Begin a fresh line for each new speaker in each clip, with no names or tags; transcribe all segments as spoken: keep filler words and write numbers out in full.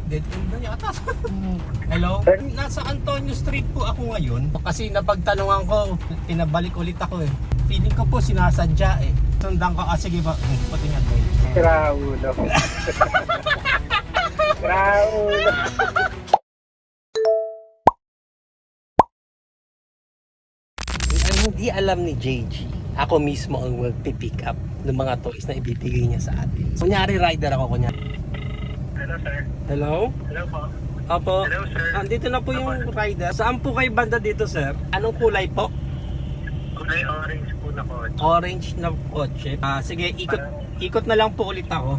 Dead end na yata. Hello? Nasa Antonio Street po ako ngayon. Kasi napagtanungan ko, pinabalik ulit ako eh. Feeling ko po sinasadya eh. Sundan ko, ah sige ba, pati nga tayo.
Raulo. Raulo.
Ang hindi alam ni J G, ako mismo ang magpipick up ng mga toys na ibibigay niya sa atin. Kunyari rider ako, kunyari.
Hello, sir.
Hello?
Hello po.
Opo.
Hello, sir.
Andito na po yung rider. Saan po kayo banda dito, sir? Anong kulay po?
Kulay orange po na po.
Orange na kotse. Ah, sige, ikot ikot na lang po ulit ako.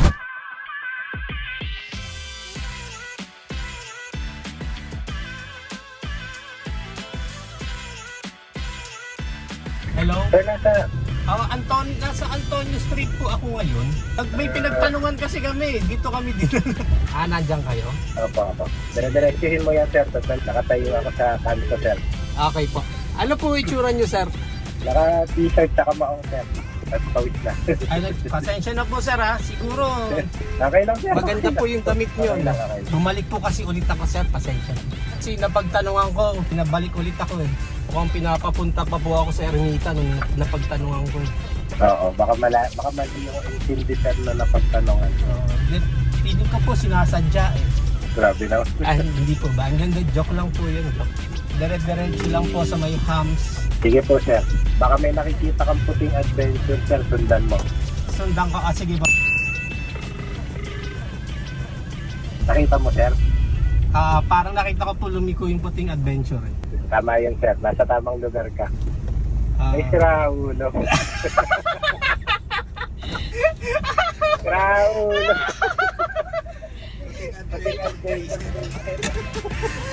Hello?
Sir, nasa...
Ah, Anton, nasa Antonio Street po ako ngayon. Pag may pinagtanungan kasi kami, dito kami dito. Ah, nandiyan kayo?
Opo, opo. Dire-diretsuhin mo yan, sir. Tapos nakatayo ako sa kanto, sir.
Okay po. Ano po itsura nyo, sir?
Naka-t-shirt sa kamaong, sir. At pawis na.
Ay, pasensya na po, sir ha. Siguro,
Okay lang, sir.
maganda po yung damit nyo.
Okay lang, okay lang.
Bumalik po kasi ulit ako, sir. Pasensya. Kasi napagtanungan ko, pinabalik ulit ako eh. Mukhang pinapapunta pa po ako sa Ermita nung napagtanungan ko eh.
Oo, baka, mala, baka mali yung intindi, sir, na napagtanongan.
Uh, feeling ko po sinasadya eh.
Grabe na.
Ay, hindi po ba? Ang ganda, joke lang po yun. Dire-diretso lang po sa may hams.
Sige po, sir. Baka may nakikita kang puting adventure, sir. Sundan mo.
Sundan ka, ah, sige ba?
Nakita mo, sir?
Ah, parang nakita ko po lumiko yung puting adventure eh.
Tama yan, sir. Nasa tamang lugar ka.
Ah,
Ay, Raulo. Raulo. Puting adventure.